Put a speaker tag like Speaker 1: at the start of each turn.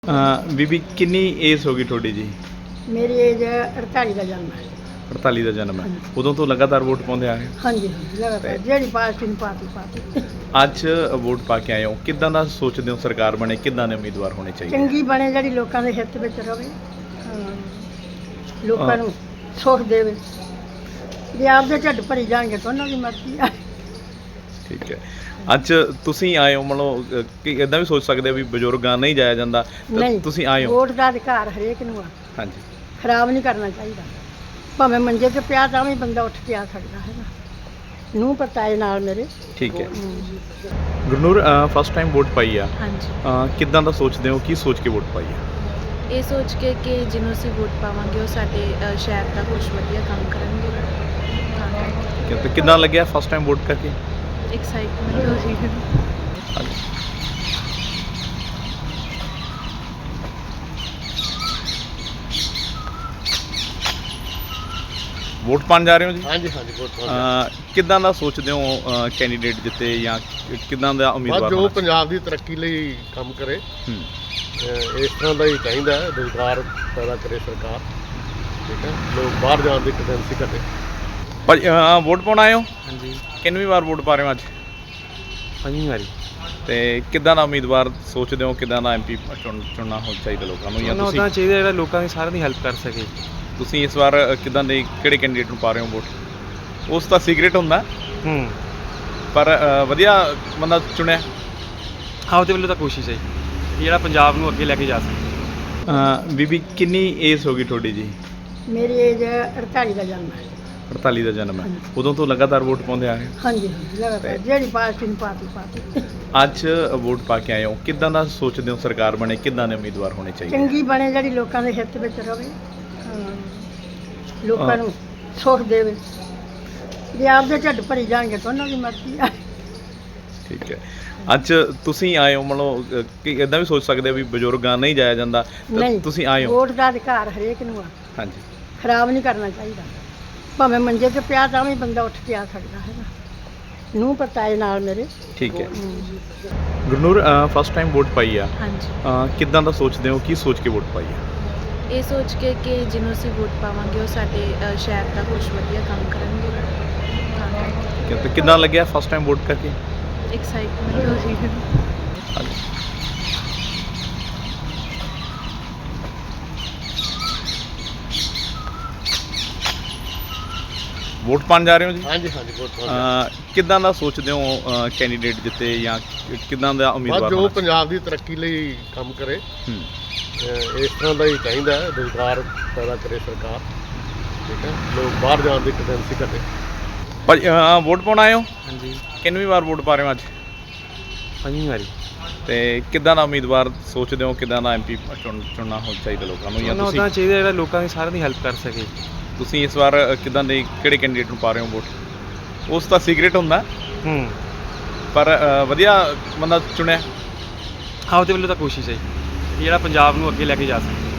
Speaker 1: ਬੀਬੀ ਕਿੰਨੀ ਏਜ ਹੋ ਗਈ ਤੁਹਾਡੀ ਜੀ?
Speaker 2: ਮੇਰੀ ਏਜ 48 ਦਾ ਜਨਮ ਹੈ।
Speaker 1: 48 ਦਾ ਜਨਮ ਹੈ। ਉਦੋਂ ਤੋਂ ਲਗਾਤਾਰ ਵੋਟ ਪਾਉਂਦੇ ਆ ਰਹੇ ਹੋ?
Speaker 2: ਹਾਂਜੀ ਲਗਾਤਾਰ ਜਿਹੜੀ ਪਾਰਟੀ ਨੂੰ ਪਾਤੀ
Speaker 1: ਅੱਜ ਵੋਟ ਪਾ ਕੇ ਆਏ ਹੋ, ਕਿੱਦਾਂ ਦਾ ਸੋਚਦੇ ਹੋ ਸਰਕਾਰ ਬਣੇ, ਕਿੱਦਾਂ ਦੇ ਉਮੀਦਵਾਰ ਹੋਣੇ ਚਾਹੀਦੇ?
Speaker 2: ਚੰਗੀ ਬਣੇ, ਜਿਹੜੀ ਲੋਕਾਂ ਦੇ ਹਿੱਤ ਵਿੱਚ ਰਵੇ, ਲੋਕਾਂ ਨੂੰ ਸੁੱਖ ਦੇਵੇ। ਜੇ ਆਪਦੇ ਢਿੱਡ ਭਰੀ ਜਾਣਗੇ ਤਾਂ ਉਹਨਾਂ ਦੀ ਮਰਜ਼ੀ ਆ।
Speaker 1: ਠੀਕ ਹੈ। ਅੱਜ ਤੁਸੀਂ ਆਏ ਹੋ, ਮਤਲਬ ਕਿ ਇਦਾਂ ਵੀ ਸੋਚ ਸਕਦੇ ਆ ਵੀ ਬਜ਼ੁਰਗਾਂ ਨਹੀਂ ਜਾਇਆ ਜਾਂਦਾ,
Speaker 2: ਨਹੀਂ,
Speaker 1: ਤੁਸੀਂ ਆਏ ਹੋ?
Speaker 2: ਵੋਟ ਦਾ ਅਧਿਕਾਰ ਹਰੇਕ ਨੂੰ ਆ।
Speaker 1: ਹਾਂਜੀ।
Speaker 2: ਖਰਾਬ ਨਹੀਂ ਕਰਨਾ ਚਾਹੀਦਾ। ਭਾਵੇਂ ਮੰਜੇ 'ਤੇ ਪਿਆ ਤਾਂ ਵੀ ਬੰਦਾ ਉੱਠ ਕੇ ਆ ਸਕਦਾ ਹੈਗਾ। ਨੂੰ ਪਤਾਏ ਨਾਲ ਮੇਰੇ।
Speaker 1: ਠੀਕ ਹੈ। ਗੁਰਨੂਰ, ਫਸਟ ਟਾਈਮ ਵੋਟ ਪਾਈ ਆ?
Speaker 3: ਹਾਂਜੀ।
Speaker 1: ਕਿੱਦਾਂ ਦਾ ਸੋਚਦੇ ਹੋ, ਕੀ ਸੋਚ ਕੇ ਵੋਟ ਪਾਈ ਆ?
Speaker 3: ਇਹ ਸੋਚ ਕੇ ਕਿ ਜਿਹਨੂੰ ਅਸੀਂ ਵੋਟ ਪਾਵਾਂਗੇ ਉਹ ਸਾਡੇ ਸ਼ਹਿਰ ਦਾ ਕੁਝ ਵਧੀਆ ਕੰਮ ਕਰਨਗੇ।
Speaker 1: ਠੀਕ ਹੈ। ਤੇ ਕਿੱਦਾਂ ਲੱਗਿਆ ਫਸਟ ਟਾਈਮ ਵੋਟ ਕਰਕੇ?
Speaker 3: ਐਕਸਾਈਟਮੈਂਟ ਹੋ ਰਹੀ ਹੈ।
Speaker 1: ਵੋਟ ਪਾਉਣ ਜਾ ਰਹੇ ਹੋ ਜੀ?
Speaker 4: ਹਾਂਜੀ ਵੋਟ ਪਾਉਣ।
Speaker 1: ਕਿੱਦਾਂ ਦਾ ਸੋਚਦੇ ਹੋ ਕੈਂਡੀਡੇਟ ਜਿੱਤੇ, ਜਾਂ ਕਿੱਦਾਂ ਦਾ ਉਮੀਦਵਾਰ
Speaker 4: ਜੋ
Speaker 1: ਹੋਣਾ
Speaker 4: ਪੰਜਾਬ ਦੀ ਤਰੱਕੀ ਲਈ ਕੰਮ ਕਰੇ,
Speaker 1: ਚਾਹੀਦਾ?
Speaker 4: ਇਸ ਤਰ੍ਹਾਂ ਦਾ ਹੀ ਚਾਹੀਦਾ ਹੈ। ਰੁਜ਼ਗਾਰ ਪੈਦਾ ਕਰੇ ਸਰਕਾਰ, ਠੀਕ ਹੈ। ਲੋਕ ਬਾਹਰ ਜਾਣ ਦੀ ਟੈਂਡੈਂਸੀ ਘਟੇ।
Speaker 1: ਭਾਜੀ, ਵੋਟ ਪਾਉਣ ਆਏ ਹੋ?
Speaker 5: ਹਾਂਜੀ,
Speaker 1: ਕਿੰਨਵੀਂ ਵਾਰ ਵੋਟ ਪਾ ਰਹੇ ਹੋ ਅੱਜ?
Speaker 5: 5ਵੀਂ ਵਾਰੀ।
Speaker 1: ਤੇ ਕਿੱਦਾਂ ਦਾ ਉਮੀਦਵਾਰ ਸੋਚਦੇ ਹੋ, ਕਿੱਦਾਂ ਦਾ ਐਮਪੀ ਚੁਣਨਾ ਹੋ ਚਾਹੀਦਾ ਲੋਕਾਂ ਨੂੰ, ਜਾਂ
Speaker 5: ਉਹਨਾਂ
Speaker 1: ਤੁਸੀਂ
Speaker 5: ਦਾ ਚਾਹੀਦਾ ਜਿਹੜਾ ਲੋਕਾਂ ਦੀ ਸਾਰਿਆਂ ਦੀ ਹੈਲਪ ਕਰ ਸਕੇ।
Speaker 1: ਤੁਸੀਂ ਇਸ ਵਾਰ ਕਿੱਦਾਂ ਦੇ ਕਿਹੜੇ ਕੈਂਡੀਡੇਟ ਨੂੰ ਪਾ ਰਹੇ ਹੋ ਵੋਟ? ਉਸ ਦਾ ਸੀਕ੍ਰੇਟ ਹੁੰਦਾ, ਪਰ ਵਧੀਆ ਬੰਦਾ ਚੁਣਿਆ।
Speaker 5: ਆਪਦੇ ਵੱਲੋਂ ਤਾਂ ਕੋਸ਼ਿਸ਼ ਹੈ ਕਿ ਜਿਹੜਾ ਪੰਜਾਬ ਨੂੰ ਅੱਗੇ ਲੈ ਕੇ ਜਾ ਸਕੇ।
Speaker 1: ਬੀਬੀ ਕਿੰਨੀ ਏਜ ਹੋ ਗਈ ਤੁਹਾਡੀ ਜੀ?
Speaker 2: ਮੇਰੀ ਏਜ 48 ਦਾ ਜਨਮ ਹੈ।
Speaker 1: 48 ਦਾ ਜਨਮ ਹੈ। ਉਦੋਂ ਤੋਂ ਲਗਾਤਾਰ ਵੋਟ ਪਾਉਂਦੇ ਆ ਰਹੇ ਹੋ?
Speaker 2: ਹਾਂਜੀ ਲਗਾਤਾਰ ਜਿਹੜੀ ਪਾਰਟੀ ਨੂੰ ਪਾਤੀ
Speaker 1: ਅੱਜ ਵੋਟ ਪਾ ਕੇ ਆਏ ਹੋ, ਕਿੱਦਾਂ ਦਾ ਸੋਚਦੇ ਹੋ ਸਰਕਾਰ ਬਣੇ, ਕਿੱਦਾਂ ਦੇ ਉਮੀਦਵਾਰ ਹੋਣੇ ਚਾਹੀਦੇ?
Speaker 2: ਚੰਗੀ ਬਣੇ, ਜਿਹੜੀ ਲੋਕਾਂ ਦੇ ਹਿੱਤ ਵਿੱਚ ਰਵੇ, ਲੋਕਾਂ ਨੂੰ ਸੁੱਖ ਦੇਵੇ। ਜੇ ਆਪਦੇ ਢਿੱਡ ਭਰੀ ਜਾਣਗੇ ਤਾਂ ਉਹਨਾਂ ਦੀ ਮਰਜ਼ੀ ਆ।
Speaker 1: ਠੀਕ ਹੈ। ਅੱਜ ਤੁਸੀਂ ਆਏ ਹੋ, ਮਤਲਬ ਕਿ ਇਦਾਂ ਵੀ ਸੋਚ ਸਕਦੇ ਆ ਵੀ ਬਜ਼ੁਰਗਾਂ ਨਹੀਂ ਜਾਇਆ ਜਾਂਦਾ,
Speaker 2: ਨਹੀਂ,
Speaker 1: ਤੁਸੀਂ ਆਏ ਹੋ?
Speaker 2: ਵੋਟ ਦਾ ਅਧਿਕਾਰ ਹਰੇਕ ਨੂੰ ਆ।
Speaker 1: ਹਾਂਜੀ।
Speaker 2: ਖਰਾਬ ਨਹੀਂ ਕਰਨਾ ਚਾਹੀਦਾ। ਭਾਵੇਂ ਮੰਜੇ 'ਤੇ ਪਿਆ ਤਾਂ ਵੀ ਬੰਦਾ ਉੱਠ ਕੇ ਆ ਸਕਦਾ ਹੈਗਾ। ਨੂੰ ਪਤਾਏ ਨਾਲ ਮੇਰੇ।
Speaker 1: ਠੀਕ ਹੈ। ਗੁਰਨੂਰ, ਫਸਟ ਟਾਈਮ ਵੋਟ ਪਾਈ ਆ?
Speaker 3: ਹਾਂਜੀ।
Speaker 1: ਕਿੱਦਾਂ ਦਾ ਸੋਚਦੇ ਹੋ, ਕੀ ਸੋਚ ਕੇ ਵੋਟ ਪਾਈ ਆ?
Speaker 3: ਇਹ ਸੋਚ ਕੇ ਕਿ ਜਿਹਨੂੰ ਅਸੀਂ ਵੋਟ ਪਾਵਾਂਗੇ ਉਹ ਸਾਡੇ ਸ਼ਹਿਰ ਦਾ ਕੁਝ ਵਧੀਆ ਕੰਮ ਕਰਨਗੇ।
Speaker 1: ਠੀਕ ਹੈ। ਤੇ ਕਿੱਦਾਂ ਲੱਗਿਆ ਫਸਟ ਟਾਈਮ ਵੋਟ ਕਰਕੇ?
Speaker 3: ਐਕਸਾਈਟਮੈਂਟ ਹੋ ਰਹੀ ਹੈ।
Speaker 1: ਵੋਟ ਪਾਉਣ ਜਾ ਰਹੇ ਹੋ ਜੀ?
Speaker 4: ਹਾਂਜੀ ਵੋਟ ਪਾਉਣ।
Speaker 1: ਕਿੱਦਾਂ ਦਾ ਸੋਚਦੇ ਹੋ ਕੈਂਡੀਡੇਟ ਜਿੱਤੇ, ਜਾਂ ਕਿੱਦਾਂ ਦਾ ਉਮੀਦਵਾਰ
Speaker 4: ਜੋ
Speaker 1: ਹੋਣਾ
Speaker 4: ਪੰਜਾਬ ਦੀ ਤਰੱਕੀ ਲਈ ਕੰਮ ਕਰੇ,
Speaker 1: ਚਾਹੀਦਾ?
Speaker 4: ਇਸ ਤਰ੍ਹਾਂ ਦਾ ਹੀ ਚਾਹੀਦਾ ਹੈ। ਰੁਜ਼ਗਾਰ ਪੈਦਾ ਕਰੇ ਸਰਕਾਰ, ਠੀਕ ਹੈ। ਲੋਕ ਬਾਹਰ ਜਾਣ ਦੀ ਟੈਂਡੈਂਸੀ ਘਟੇ।
Speaker 1: ਭਾਜੀ, ਵੋਟ ਪਾਉਣ ਆਏ ਹੋ?
Speaker 5: ਹਾਂਜੀ,
Speaker 1: ਕਿੰਨਵੀਂ ਵਾਰ ਵੋਟ ਪਾ ਰਹੇ ਹੋ ਅੱਜ?
Speaker 5: 5ਵੀਂ ਵਾਰੀ।
Speaker 1: ਤੇ ਕਿੱਦਾਂ ਦਾ ਉਮੀਦਵਾਰ ਸੋਚਦੇ ਹੋ, ਕਿੱਦਾਂ ਦਾ ਐਮਪੀ ਚੁਣਨਾ ਹੋ ਚਾਹੀਦਾ ਲੋਕਾਂ ਨੂੰ, ਜਾਂ
Speaker 5: ਉਹਨਾਂ
Speaker 1: ਤੁਸੀਂ
Speaker 5: ਦਾ ਚਾਹੀਦਾ ਜਿਹੜਾ ਲੋਕਾਂ ਦੀ ਸਾਰਿਆਂ ਦੀ ਹੈਲਪ ਕਰ ਸਕੇ।
Speaker 1: ਤੁਸੀਂ ਇਸ ਵਾਰ ਕਿੱਦਾਂ ਦੇ ਕਿਹੜੇ ਕੈਂਡੀਡੇਟ ਨੂੰ ਪਾ ਰਹੇ ਹੋ ਵੋਟ? ਉਸ ਦਾ ਸੀਕ੍ਰੇਟ ਹੁੰਦਾ, ਪਰ ਵਧੀਆ ਬੰਦਾ ਚੁਣਿਆ।
Speaker 5: ਆਪਦੇ ਵੱਲੋਂ ਤਾਂ ਕੋਸ਼ਿਸ਼ ਹੈ ਕਿ ਜਿਹੜਾ ਪੰਜਾਬ ਨੂੰ ਅੱਗੇ ਲੈ ਕੇ ਜਾ ਸਕੇ।